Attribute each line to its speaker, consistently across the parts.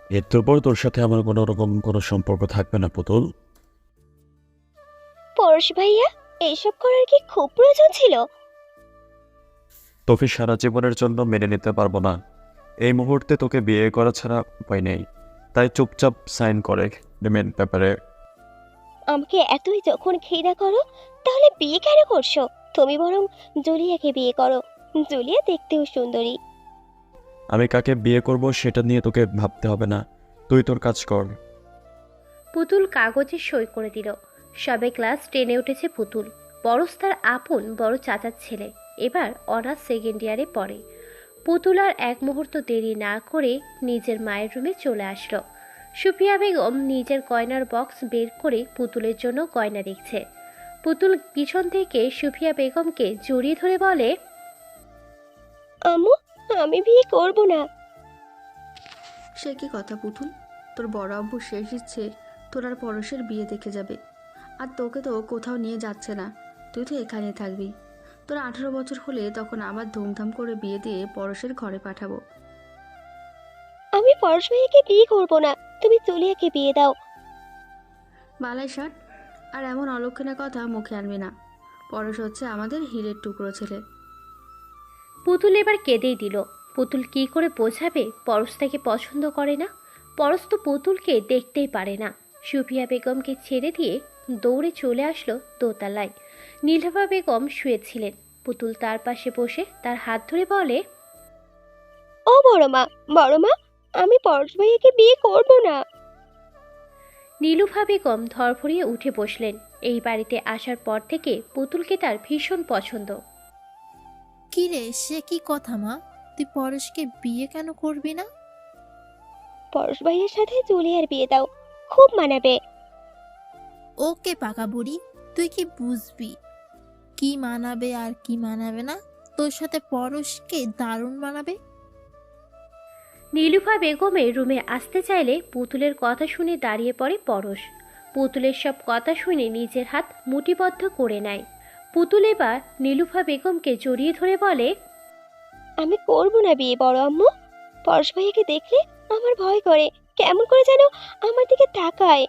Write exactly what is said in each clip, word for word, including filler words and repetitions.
Speaker 1: এরপর পর তোর সাথে আমার কোনো রকম কোনো সম্পর্ক থাকবে না পুতুল।
Speaker 2: পরশ ভাইয়া, এইসব করার কি খুব প্রয়োজন ছিল?
Speaker 1: তোকে সারা জীবনের জন্য মেনে নিতে পারবো না। এই মুহূর্তে তোকে বিয়ে করা ছাড়া উপায় নেই। তাই চুপচাপ সাইন করে এগ্রিমেন্ট পেপারে।
Speaker 2: আমাকে এতই যখন ঘৃণা করো, তাহলে বিয়ে কেন করছো? তুমি বরং জুলিয়াকে বিয়ে করো। জুলিয়া দেখতেও সুন্দরী।
Speaker 1: আমি কাকে বিয়ে করব সেটা নিয়ে তোকে ভাবতে হবে না, তুই তোর কাজ কর।
Speaker 3: পুতুল কাগজে সই করে দিল। সবে ক্লাস টেনে উঠেছে পুতুল। পরশ তার আপন বড় চাচার ছেলে। এবার অনার্স সেকেন্ড ইয়ারে পড়ে। পুতুল আর এক মুহূর্ত দেরি না করে নিজের মায়ের রুমে চলে আসলো। সুফিয়া বেগম নিজের গয়নার বক্স বের করে পুতুলের জন্য গয়না দেখছে। পুতুল পিছন থেকে সুফিয়া বেগমকে জড়িয়ে ধরে বলে,
Speaker 2: আম্মু, আমি বিয়ে করব না।
Speaker 4: সে কি কথা পুতুল? তোর বড় আব্বু শেষ ইচ্ছে তোর আর পরশের বিয়ে দেখে যাবে। আর তোকে তো কোথাও নিয়ে যাচ্ছে না, তুই তো এখানে থাকবি। তোর আঠারো বছর হলে তখন আবার ধুমধাম করে বিয়ে দিয়ে পরশের ঘরে পাঠাবো।
Speaker 2: আমি পরশ ভাইয়াকে বিয়ে করব না। তুমি জুলিয়াকে বিয়ে দাও।
Speaker 4: বালাই ষাট, আর এমন অলক্ষণের কথা মুখে আনবি না। পরশ হচ্ছে আমাদের হীরের টুকরো ছেলে।
Speaker 3: পুতুল এবার কেঁদেই দিল। পুতুল কি করে বোঝাবে পরশ তাকে পছন্দ করে না? পরশ তো পুতুলকে দেখতেই পারে না। সুফিয়া বেগমকে ছেড়ে দিয়ে দৌড়ে চলে আসলো দোতলায়। নীলভা বেগম শুয়েছিলেন। পুতুল তার পাশে বসে তার হাত ধরে বলে,
Speaker 2: ও বড় মা, বড় মা, আমি পরশ ভাইয়াকে বিয়ে করব না।
Speaker 3: নীলুফা বেগম ধরফরিয়ে উঠে বসলেন। এই বাড়িতে আসার পর থেকে পুতুলকে তার ভীষণ পছন্দ।
Speaker 5: কি রে, সে কি কথা মা? তুই পরেশকে বিয়ে কেন করবি না?
Speaker 2: পরশ ভাইয়ের সাথে জুলিয়ার বিয়ে দাও, খুব মানাবে।
Speaker 5: ওকে পাকা বুড়ি, তুই কি বুঝবি কি মানাবে আর কি মানাবে না? তোর সাথে পরশকে দারুণ মানাবে।
Speaker 3: নীলুফা বেগমের রুমে আসতে চাইলে পুতুলের কথা শুনে দাঁড়িয়ে পড়ে পরশ। পুতুলের সব কথা শুনে নিজের হাত মুঠিবদ্ধ করে নেয়। পুতুল এবার নীলুফা বেগমকে জড়িয়ে ধরে বলে,
Speaker 2: আমি করব না বিয়ে বড় আম্মু। পরশ ভাইয়াকে দেখলে আমার ভয় করে, কেমন করে যেন আমার দিকে তাকায়।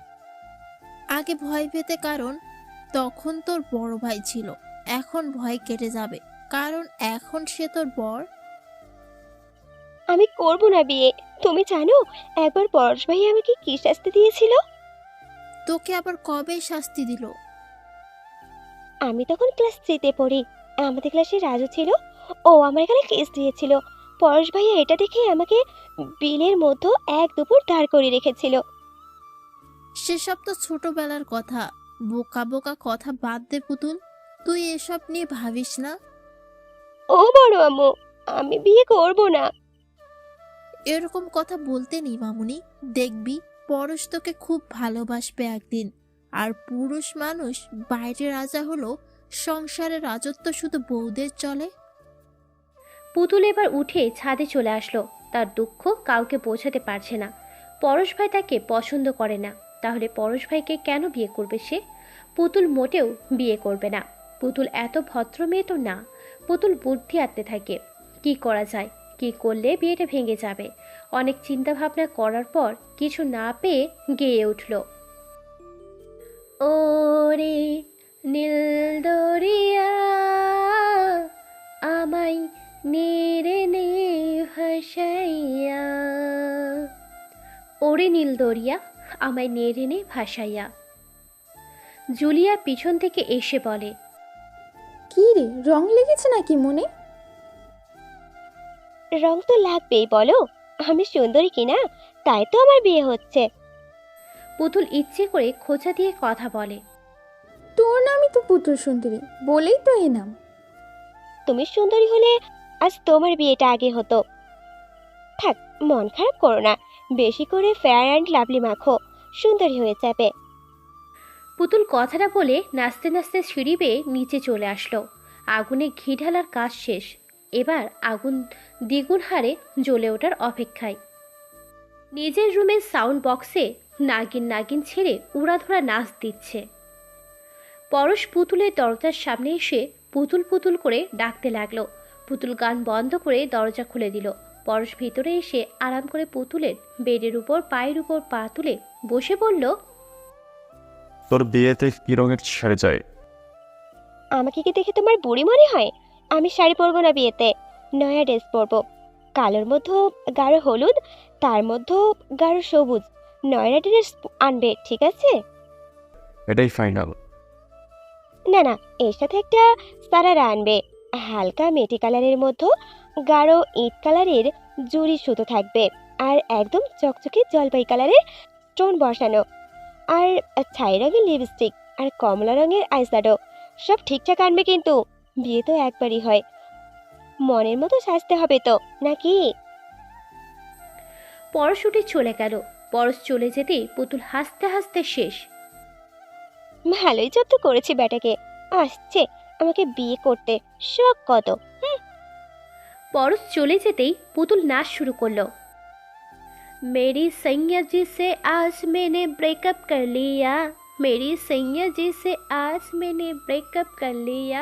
Speaker 5: আগে ভয় পেতে, কারণ তখন তোর বড় ভাই ছিল। এখন ভয় কেটে যাবে, কারণ এখন সে তোর বর।
Speaker 2: আমি করব না বিয়ে। তুমি জানো একবার পরশ ভাই আমাকে কি শাস্তি দিয়েছিল?
Speaker 5: তোকে আবার কবে শাস্তি দিল?
Speaker 2: আমি তখন ক্লাস থ্রিতে পড়ি। আমাদের ক্লাসে রাজু ছিল, ও আমার এখানে কেস দিয়েছিল। পরশ ভাইয়া এটা দেখে আমাকে বিলের মধ্যে এক দুপুর দাঁড় করিয়ে রেখেছিল।
Speaker 5: সেসব তো ছোটবেলার কথা। বোকা বোকা কথা বাদ দে পুতুল, তুই এসব নিয়ে ভাবিস না।
Speaker 2: ও বড় আম্মু, আমি বিয়ে করব না।
Speaker 5: এরকম কথা বলতে নেই মামুনি। দেখবি পরশ তোকে খুব ভালোবাসবে একদিন। আর পুরুষ মানুষ বাইরে রাজা হলো, সংসারের রাজত্ব শুধু বউদের চলে।
Speaker 3: পুতুল এবার উঠে ছাদে চলে আসলো। তার দুঃখ কাউকে বোঝাতে পারছে না। পরশ ভাই তাকে পছন্দ করে না, তাহলে পরশ ভাইকে কেন বিয়ে করবে সে? পুতুল মোটেও বিয়ে করবে না। পুতুল এত ভদ্র মেয়ে তো না। পুতুল বুদ্ধি আঁটতে থাকে, কি করা যায়, কি করলে বিয়েটা ভেঙে যাবে। অনেক চিন্তা ভাবনা করার পর কিছু না পেয়ে গেয়ে উঠল, ওরে নীল দরিয়া আমায় নেড়ে নে ভাসাইয়া। ওরে নীল দরিয়া আমায় নেড়ে নে ভাসাইয়া। জুলিয়া পিছন থেকে এসে বলে,
Speaker 6: কি রে, রং লেগেছে নাকি মনে?
Speaker 2: রং তো লাগবেই, বলো। আমি সুন্দরী কিনা, তাই তো আমার বিয়ে হচ্ছে।
Speaker 3: পুতুল ইচ্ছে করে খোঁচা দিয়ে কথা বলে,
Speaker 6: তোর নামই তো পুতুল সুন্দরী, বলেই তো এই নাম।
Speaker 2: তুমি সুন্দরী হলে আজ তোমার বিয়েটা আগে হতো। থাক, মন খারাপ করো না। বেশি করে ফেয়ার অ্যান্ড লাভলি মাখো, সুন্দরী হয়ে যাবে।
Speaker 3: পুতুল কথাটা বলে নাচতে নাচতে সিঁড়ি বেয়ে নিচে চলে আসলো। আগুনে ঘি ঢালার কাজ শেষ। এবার আগুন দ্বিগুণ হারে জ্বলে ওঠার অপেক্ষায়। নিজের রুমের সাউন্ড বক্সে নাগিন নাগিন ছেড়ে উড়াধুরা নাচ দিচ্ছে। পরশ পুতুলের দরজার সামনে এসে পুতুল পুতুল করে ডাকতে লাগলো। পুতুল গান বন্ধ করে দরজা খুলে দিল। পরশ ভিতরে এসে আরাম করে পুতুলের বেডের উপর পায়ের উপর পা তুলে বসে বলল,
Speaker 1: তোর বিয়েতে কি রঙের শাড়ি চাই?
Speaker 2: আমাকে কি দেখে তোমার বুড়ি মনে হয়? আমি শাড়ি পরবো না বিয়েতে, নয়া ড্রেস পরবো। কালোর মধ্যে গাঢ় হলুদ, তার মধ্যে গাঢ় সবুজ নয়না ড্রেস আনবে, ঠিক আছে?
Speaker 1: এটাই ফাইনাল।
Speaker 2: না না, এর সাথে একটা সারারা আনবে, হালকা মেটি কালারের মধ্যে গাঢ় ইট কালারের জুড়ি সুতো থাকবে, আর একদম চকচকে জলপাই কালারের স্টোন বসানো, আর ছাই রঙের লিপস্টিক, আর কমলা রঙের আইশ্যাডো। সব ঠিকঠাক আনবে কিন্তু, বিয়ে তো একবারই হয়, মনের মতো সাজতে হবে তো, নাকি?
Speaker 3: পরশ উঠে চলে গেল। পরশ চলে যেতেই পুতুল হাসতে হাসতে শেষ।
Speaker 2: ভালোই জব্দ করেছি বেটাকে, আসছে আমাকে বিয়ে করতে, শখ কত।
Speaker 3: পরশ চলে যেতেই পুতুল নাচ শুরু করলো। मेरी सैया जी से आज मैंने ब्रेकअप कर लिया, मेरी सैया जी से आज मैंने ब्रेकअप कर लिया।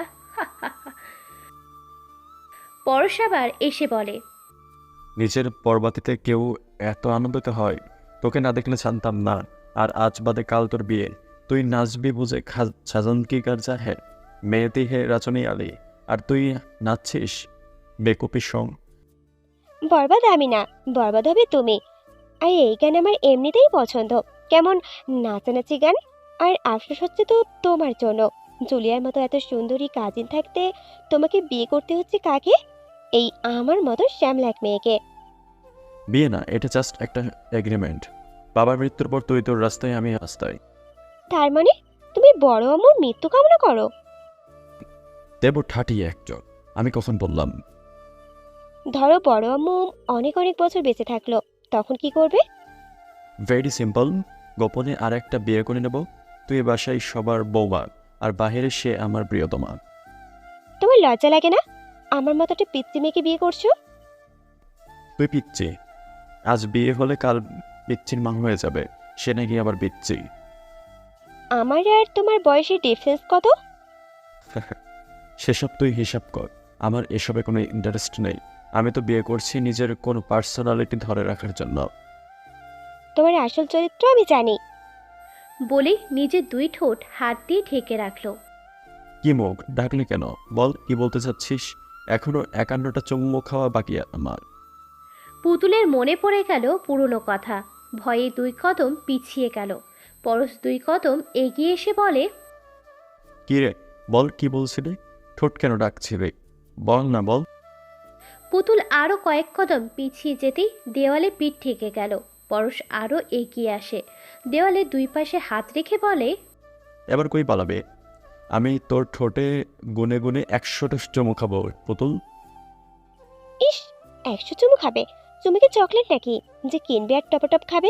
Speaker 3: পরশ আবার এসে বলে,
Speaker 1: নিজের পরবাতিতে কেউ এত আনন্দিত হয়? তোকে না দেখলে জানতাম না। আর আজ বাদে কাল তোর বিয়ে, তুই নাচবি বুঝে সাজন কি কার চাহে, মেয়েতি হে রাচনী আলী, আর তুই নাচছিস বেকুপি সং।
Speaker 2: বরবাদ আমি না, বরবাদ হবে তুমি। আর এই গান আমার এমনিতেই পছন্দ, কেমন নাচানাচি গান। আর আফসোস হচ্ছে তো তোমার জন্য, জুলিয়ার মতো এত সুন্দরী কাজিন থাকতে তোমাকে বিয়ে করতে হচ্ছে কাকে? এই আমার মতো শ্যামলা এক মেয়েকে।
Speaker 1: বিয়ে না, এটা জাস্ট একটা এগ্রিমেন্ট। বাবার মৃত্যুর পর তুই তোর রাস্তায়, আমি রাস্তায়।
Speaker 2: তার মানে তুমি বড় আম্মুর মৃত্যু কামনা করো?
Speaker 1: দেব ঠাটিয়ে একজন, আমি কখন বললাম?
Speaker 2: ধরো বড় আম্মু অনেক অনেক বছর বেঁচে থাকলো, তখন কি করবে?
Speaker 1: ভেরি সিম্পল, গোপনে আর একটা বিয়ে করে নেব। তুই বাসায় সবার বৌমা, আর বাহিরে সে আমার প্রিয়তমা।
Speaker 2: তোমার লজ্জা লাগে না আমার মতো একটা পিচ্চি মেয়েকে বিয়ে করছো?
Speaker 1: তুই পিচ্ছি, আজ বিয়ে হলে কাল পিচ্ছির মা হয়ে যাবে, সে নাকি আবার পিচ্ছি।
Speaker 2: আমার আর তোমার বয়সের ডিফারেন্স কত?
Speaker 1: সেসব তুই হিসাব কর, আমার এসবে কোনো ইন্টারেস্ট নেই। আমি তো বিয়ে করছি নিজের কোনো পার্সোনালিটি ধরে রাখার জন্য।
Speaker 2: তোমার আসল চরিত্র আমি জানি।
Speaker 3: বলে নিজের দুই ঠোঁট হাত দিয়ে ঢেকে রাখলো।
Speaker 1: কি মুখ ডাকলি কেন? বল, কি বলতে চাচ্ছিস? এখনো একান্নটা চুম্বক খাওয়া বাকি আমার।
Speaker 3: পুতুলের মনে পড়ে গেল পুরনো কথা, ভয়ে দুই কদম পিছিয়ে গেল। পরশ দুই কদম এগিয়ে এসে বলে,
Speaker 1: কি রে, বল, কি বলছিলি? ঠোঁট কেন ডাকছিলি? বল না, বল।
Speaker 3: পুতুল আরও কয়েক কদম পিছিয়ে যেতেই দেওয়ালে পিঠ ঠেকে গেল। পরশ আরও এগিয়ে আসে, দেওয়ালে দুই পাশে হাত রেখে বলে,
Speaker 1: এবার কই পালাবে? আমি তোর ঠোঁটে গুনে গুনে একশোটা চুমু খাবো পুতুল।
Speaker 2: ইস, একশো চুমু খাবে? তুমি কি চকলেট নাকি যে কিনবে আর টপটপ খাবে?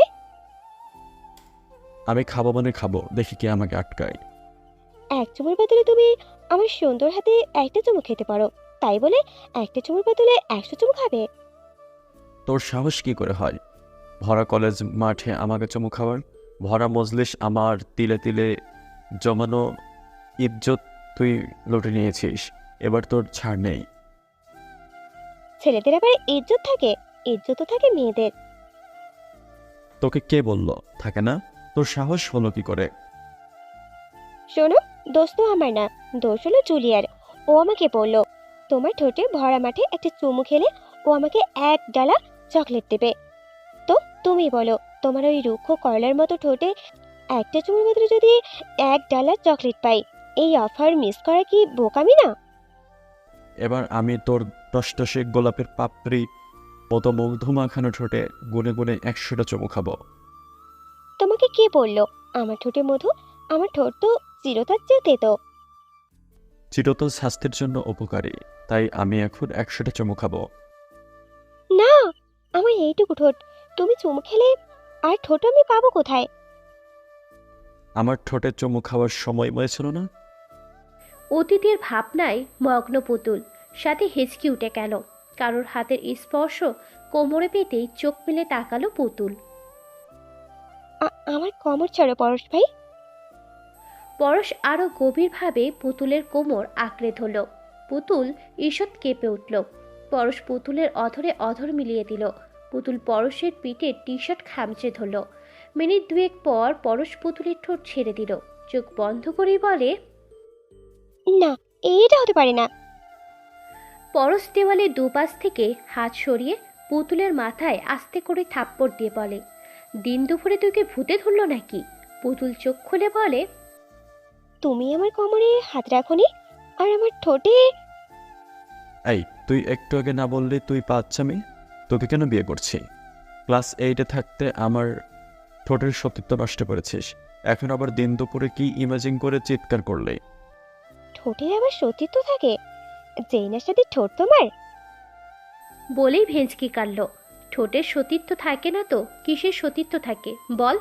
Speaker 1: আমি খাবো মানে খাবো, দেখি কে আমাকে আটকায়।
Speaker 2: এক চুমুর বদলে তুমি আমার সুন্দর হাতে একটা চুমু খেতে পারো, তাই বলে একটা চুমুর বদলে একশো চুমু খাবে?
Speaker 1: তোর সাহস কি করে হয় ভরা কলেজ মাঠে আমাকে চুমু খাওয়ার? ভরা মজলিস, আমার তিলে তিলে জমানো ইজ্জত তুই লুটে নিয়েছিস, এবার তোর ছাড় নেই।
Speaker 2: ছেলেদের আবার ইজ্জত থাকে? ইজ্জত তো থাকে মেয়েদের।
Speaker 1: তোকে কে বলল থাকে না? তোর সাহস হলো কি করে?
Speaker 2: শোনো, দোষ তো আমার না, দোষ হলো জুলিয়ার। ও আমাকে বলল তোমার ঠোঁটে ভরা মাঠে একটা চুমু খেলে ও আমাকে এক ডালা চকলেট দেবে। তো তুমি বলো, তোমার ওই রুক্ষ কয়লার মতো ঠোঁটে একটা চুমুর বদলে যদি এক ডালা চকলেট পাই, এই অফার মিস করা কি বোকামি না?
Speaker 1: এবার আমি তোর টসটসে গোলাপের পাপড়ি মতো মধু মাখানো ঠোঁটে গুনে গুনে একশোটা চুমু খাবো।
Speaker 2: তোমাকে কে বলল আমার ঠোঁটে মধু? আমার ঠোঁট তো চিরতার চেয়ে তেতো।
Speaker 1: চিরতল স্বাস্থ্যের জন্য উপকারী, তাই আমি এখন একশোটা চুমু খাবো।
Speaker 2: না, আমার এইটুকু ঠোঁট, তুমি চুমু খেলে আর ঠোঁট আমি পাবো কোথায়?
Speaker 1: আমার ঠোঁটে চুমু খাওয়ার সময় হয়েছিল না?
Speaker 3: অতীতের ভাবনায় মগ্ন পুতুল, সাথে হেঁচকি উঠে গেল। কারোর হাতের স্পর্শ কোমরে পেতেই চোখ মেলে তাকালো পুতুল।
Speaker 2: আ- আমার কমর ছাড়ো পরশ ভাই।
Speaker 3: পরশ আরো গভীরভাবে পুতুলের কোমর আঁকড়ে ধরল। পুতুল ঈষৎ কেঁপে উঠল। পরশ পুতুলের অধরে অধর মিলিয়ে দিল। পুতুল পরশের পিঠে টি শার্ট খামচে ধরল। মিনিট দুয়েক পর পরশ পুতুলের ঠোঁট ছেড়ে দিল। চোখ বন্ধ করেই বলে,
Speaker 2: না, এটা হতে পারে না।
Speaker 3: পরশ দেওয়ালে দুপাশ থেকে হাত সরিয়ে পুতুলের মাথায় আস্তে করে থাপ্পড় দিয়ে বলে, দিন দুপুরে তোকে ভূতে ধরল নাকি? পুতুল চোখ খুলে বলে,
Speaker 2: তুমি আমার কোমরে হাত রাখোনি, আর আমার ঠোঁটে।
Speaker 1: এই, তুই একটু আগে না বললি তুই বাচ্চামি? তোকে কেন বিয়ে করছি? ক্লাস এইটে থাকতে আমার ঠোঁটের সতীত্ব নষ্ট করেছিস, এখন আবার দিন দুপুরে কি ইমেজিং করে চিৎকার করলে?
Speaker 2: ঠোঁটের আবার সতীত্ব থাকে? যেই না সাথে ঠোঁট তোমার।
Speaker 3: বলেই ভেঁচকি কাটল। ঠোঁটের সতীত্ব থাকে না তো কিসের সতীত্ব থাকে বল?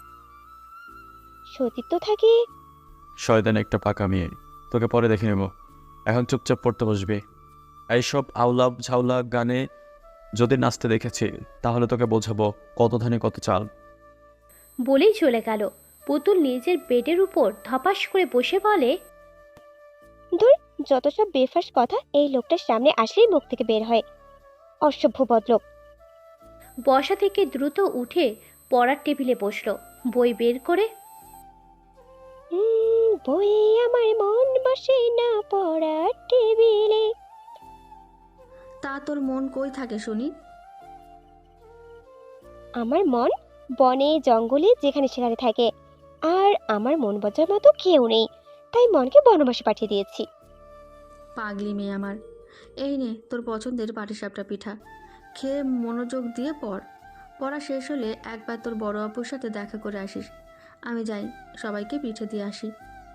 Speaker 2: সতীত্ব থাকে।
Speaker 1: শয়তান একটা পাকা মেয়ে, তোকে পরে দেখে নেব। এখন চুপচাপ পড়তে বসবি। এইসব আউলা ঝাউলা গানে যদি নাচতে দেখেছি তাহলে তোকে বোঝাবো কত ধানে কত চাল।
Speaker 3: বলেই চলে গেল। পুতুল নিজের বেডের উপর ধপাস করে বসে বলে,
Speaker 2: দূর, যত সব বেফাস কথা এই লোকটার সামনে আসলেই মুখ থেকে বের হয়। অসভ্য বদলোক।
Speaker 3: বসা থেকে দ্রুত উঠে পড়ার টেবিলে বসলো। বই বের করে,
Speaker 2: হুম, বইয়ে আমার মন বসে না পড়ার টেবিলে।
Speaker 4: তা তোর মন কই থাকে শুনি?
Speaker 2: আমার মন বনে জঙ্গলে যেখানে সেখানে থাকে, আর আমার মন বোঝার মতো কেউ নেই, তাই মনকে বনবাসে পাঠিয়ে দিয়েছি।
Speaker 4: পাগলি মেয়ে আমার। এই নে তোর পছন্দের পাটিসাপটা পিঠা, খেয়ে মনোযোগ দিয়ে পড়। পড়া শেষ হলে একবার তোর বড় আপুর সাথে দেখা করে আসিস। আমি যাই, সবাইকে পিঠে দিয়ে আসি।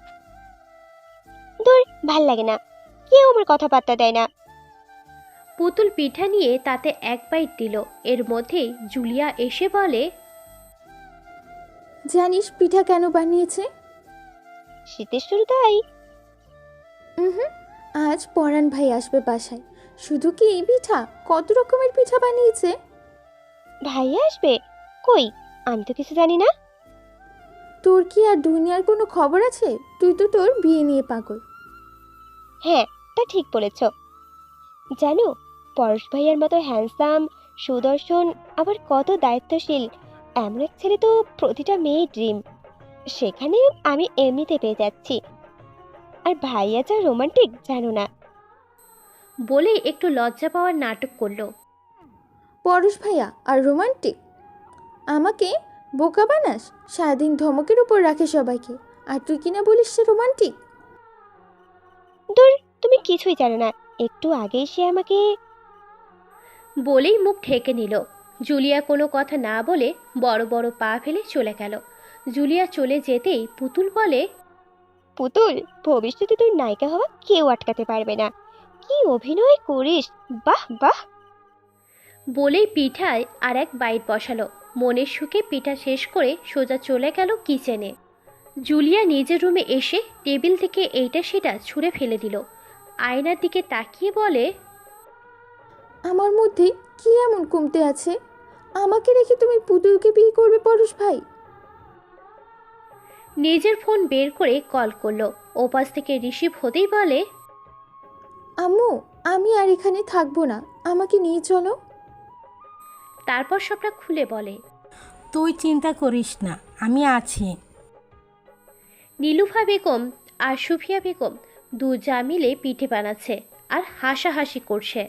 Speaker 2: দূর, ভাল লাগে না, কেউ আমার কথা পাত্তা দেয় না।
Speaker 3: পুতুল পিঠা নিয়ে তাতে এক বাইট দিল। এর মধ্যেই জুলিয়া এসে বলে,
Speaker 6: জানিস পিঠা কেন বানিয়েছে?
Speaker 2: শীতের শুরু তাই।
Speaker 6: হুম, আজ পরাণ ভাই আসবে বাসায়। শুধু কি এই পিঠা, কত রকমের পিঠা বানিয়েছে।
Speaker 2: ভাইয়া আসবে? কই, আমি তো কিছু জানি না।
Speaker 6: তোর কি আর দুনিয়ার কোনো খবর আছে? তুই তো তোর বিয়ে নিয়ে পাগল।
Speaker 2: হ্যাঁ, তা ঠিক বলেছ। জানো, পরশ ভাইয়ার মতো হ্যান্ডসাম, সুদর্শন, আবার কত দায়িত্বশীল এমন এক ছেলে তো প্রতিটা মেয়ের ড্রিম। সেখানে আমি এমনিতে পেয়ে যাচ্ছি। আর ভাইয়া যা রোমান্টিক জানো না।
Speaker 3: বলেই একটু লজ্জা পাওয়ার নাটক করলো।
Speaker 6: পরশ ভাইয়া আর রোমান্টিক? আমাকে বোকা বানাস? সারাদিন ধমকের উপর রাখে সবাইকে, আর তুই কিনা বলিস সে রোমান্টিক।
Speaker 2: দূর, তুমি কিছুই জানো না। একটু আগেই সে আমাকে।
Speaker 3: বলেই মুখ ঢেকে নিল। জুলিয়া কোনো কথা না বলে বড় বড় পা ফেলে চলে গেল। জুলিয়া চলে যেতেই পুতুল বলে,
Speaker 2: পুতুল, ভবিষ্যতে তোর নায়িকা হওয়া কেউ আটকাতে পারবে না। কি অভিনয় করিস, বাহ বাহ।
Speaker 3: বলেই পিঠায় আর এক বাইট বসালো। মনের সুখে পিঠা শেষ করে সোজা চলে গেল কিচেনে। জুলিয়া নিজের রুমে এসে টেবিল থেকে এইটা সেটা ছুঁড়ে ফেলে দিল। আয়নার দিকে তাকিয়ে বলে,
Speaker 6: আমার মধ্যে কি এমন কমতে আছে? আমাকে রেখে তুমি পুতুলকে বিয়ে করবে পরশ ভাই?
Speaker 3: নিজের ফোন বের করে কল করলো। ওপাশ থেকে রিসিভ হতেই বলে,
Speaker 6: আম্মু, আমি আর এখানে থাকবো না, আমাকে নিয়ে চলো।
Speaker 3: তারপর সবটা খুলে বলে,
Speaker 7: তুই চিন্তা করিস না, আমি আছি।
Speaker 3: নীলুফা বেগম আর সুফিয়া বেগম দু যা মিলে পিঠে বানাচ্ছে আর হাসাহাসি করছে।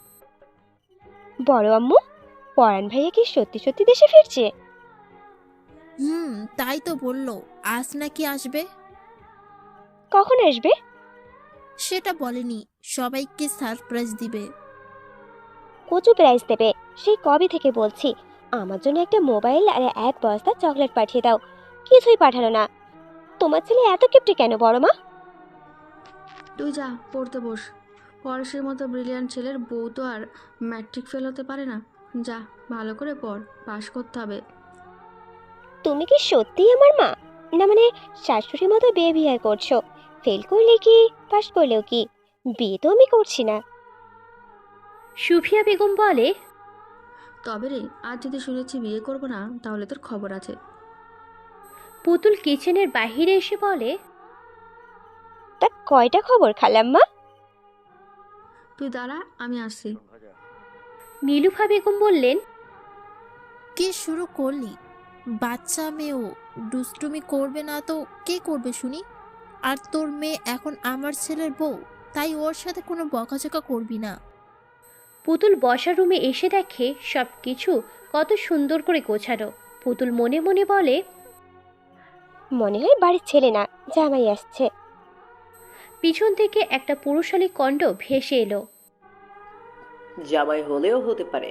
Speaker 2: বড় আম্মু, পরাণ ভাইয়া কি সত্যি সত্যি দেশে ফিরছে?
Speaker 5: হুম, তাই তো বললো, আজ নাকি আসবে।
Speaker 2: কখন আসবে?
Speaker 5: সেটা বলেনি, সবাইকে সারপ্রাইজ দিবে।
Speaker 2: কচু প্রাইস দেবে, সেই কবে থেকে বলছি আমার জন্য একটা মোবাইল আর এক বস্তা চকলেট পাঠিয়ে দাও। কিছুই পাঠালো না। তোমার ছেলে এত কিপটে কেন বড় মা?
Speaker 4: তুই যা, পড়তে বস। পরশের মতো ব্রিলিয়ান্ট ছেলের বউ তো আর ম্যাট্রিক ফেল হতে পারে না। যা, ভালো করে পড়, পাশ করতে হবে।
Speaker 2: তুমি কি সত্যিই আমার মা? না মানে শাশুড়ির মতো বিয়ে বিয়ে করছো? ফেল করলে কি, পাস করলেও কি, বিয়ে তো আমি করছি না।
Speaker 3: সুফিয়া বেগম বলে,
Speaker 4: তবে রে, আজ যদি শুনেছি বিয়ে করবো না, তাহলে তোর খবর আছে।
Speaker 3: পুতুল কিচেনের বাহিরে এসে বলে,
Speaker 2: তা কয়টা খবর খালাম্মা?
Speaker 4: তুই দাঁড়া, আমি আসছি।
Speaker 3: নীলুফা বেগম বললেন,
Speaker 5: কি শুরু করলি? বাচ্চা মেয়েও দুষ্টুমি করবে না তো কে করবে শুনি? আর তোর মেয়ে এখন আমার ছেলের বউ, তাই ওর সাথে কোনো বকাঝকা করবি না।
Speaker 3: পুতুল বসার রুমে এসে দেখে সব কিছু কত সুন্দর করে গোছানো। পুতুল মনে মনে বলে,
Speaker 2: মনে হয় বাড়ির ছেলে না, জামাই আসছে।
Speaker 3: পিছন থেকে একটা পুরুষালী কণ্ঠ ভেসে এলো।
Speaker 8: জামাই হলেও হতে পারে।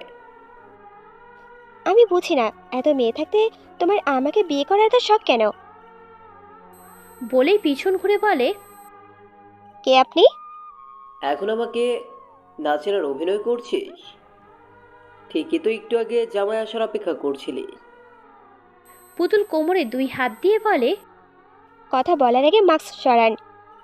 Speaker 2: আমি বুঝি না, এত মেয়ে থাকতে তোমার আমাকে বিয়ে করার এত শখ কেন?
Speaker 3: বলেই পিছন ঘুরে বলে,
Speaker 2: কে আপনি?
Speaker 8: এখন আমাকে নাচের অভিনয় করছিস? ঠিকই তো, একটু আগে জামাই আসার অপেক্ষা করছিলি।
Speaker 3: পুতুল কোমরে দুই হাত দিয়ে বলে,
Speaker 2: কথা বলার আগে মাস্ক সরান।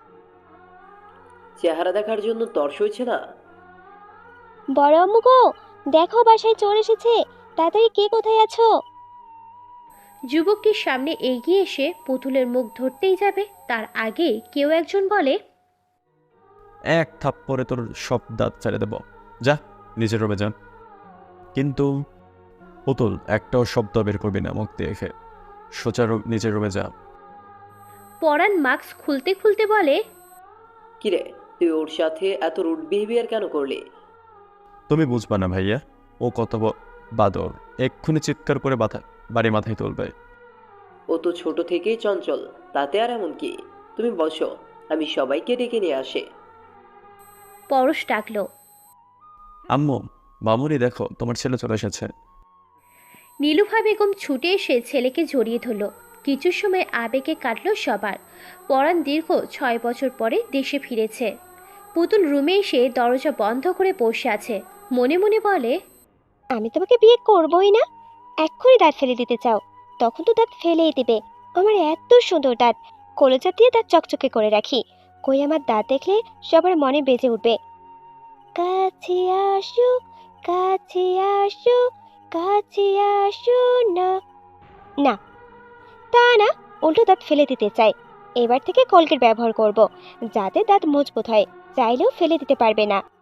Speaker 8: চেহারা দেখার জন্য তর্স হয়েছে না?
Speaker 2: বড় আম্মু গো, দেখো বাসায় চোর এসেছে, তাড়াতাড়ি কে কোথায় আছো?
Speaker 3: যুবকটির সামনে এগিয়ে এসে পুতুলের মুখ ধরতেই যাবে, তার আগে কেউ একজন বলে,
Speaker 1: এক থাপ্পড়ে তোর সব দাঁত ছেড়ে দেব, যা নিজের রুমে যান। কিন্তু পুতুল, একটাও শব্দ বের করবি না মুখ দিয়ে খে, সোজা রু- নিজের রুমে যা।
Speaker 3: পরাণ মাস্ক খুলতে খুলতে বলে,
Speaker 8: কিরে, তুই ওর সাথে এত রুড বিহেভিয়ার কেন করলি?
Speaker 1: তুমি বুঝবা না ভাইয়া, ও কত ব- বাদর, এক্ষুনি চিৎকার করে বাধা বাড়ি মাথায় তুলবে।
Speaker 8: ও তো ছোট থেকেই চঞ্চল, তাতে আর এমন কি? তুমি বসো, আমি সবাইকে ডেকে নিয়ে আসি।
Speaker 3: পরশ ডাকলো।
Speaker 1: আম্মু, মামুনি দেখো তোমার ছেলে চলে এসেছে।
Speaker 3: নীলুফা বেগম ছুটে এসে ছেলেকে জড়িয়ে ধরল। কিছু সময় আবেগে কাটল সবার। পরাণ দীর্ঘ ছয় বছর পরে দেশে ফিরেছে। পুতুল রুমে এসে দরজা বন্ধ করে বসে আছে, মনে মনে বলে,
Speaker 2: আমি তোমাকে বিয়ে করবই না। এক্ষুনি দাঁত ফেলে দিতে চাও, তখন তো দাঁত ফেলেই দিবে। আমার এত সুন্দর দাঁত, কলজা দিয়ে দাঁত চকচকে করে রাখি। কই আমার দাঁত দেখলে সবার মনে বেজে উঠবে, কাছে আসো, কাছে আসো, কাছে আসো না। না, তা না, উল্টো দাঁত ফেলে দিতে চাই। এবার থেকে কলগেট ব্যবহার করব, যাতে দাঁত মজবুত হয়, চাইলেও ফেলে দিতে পারবে না।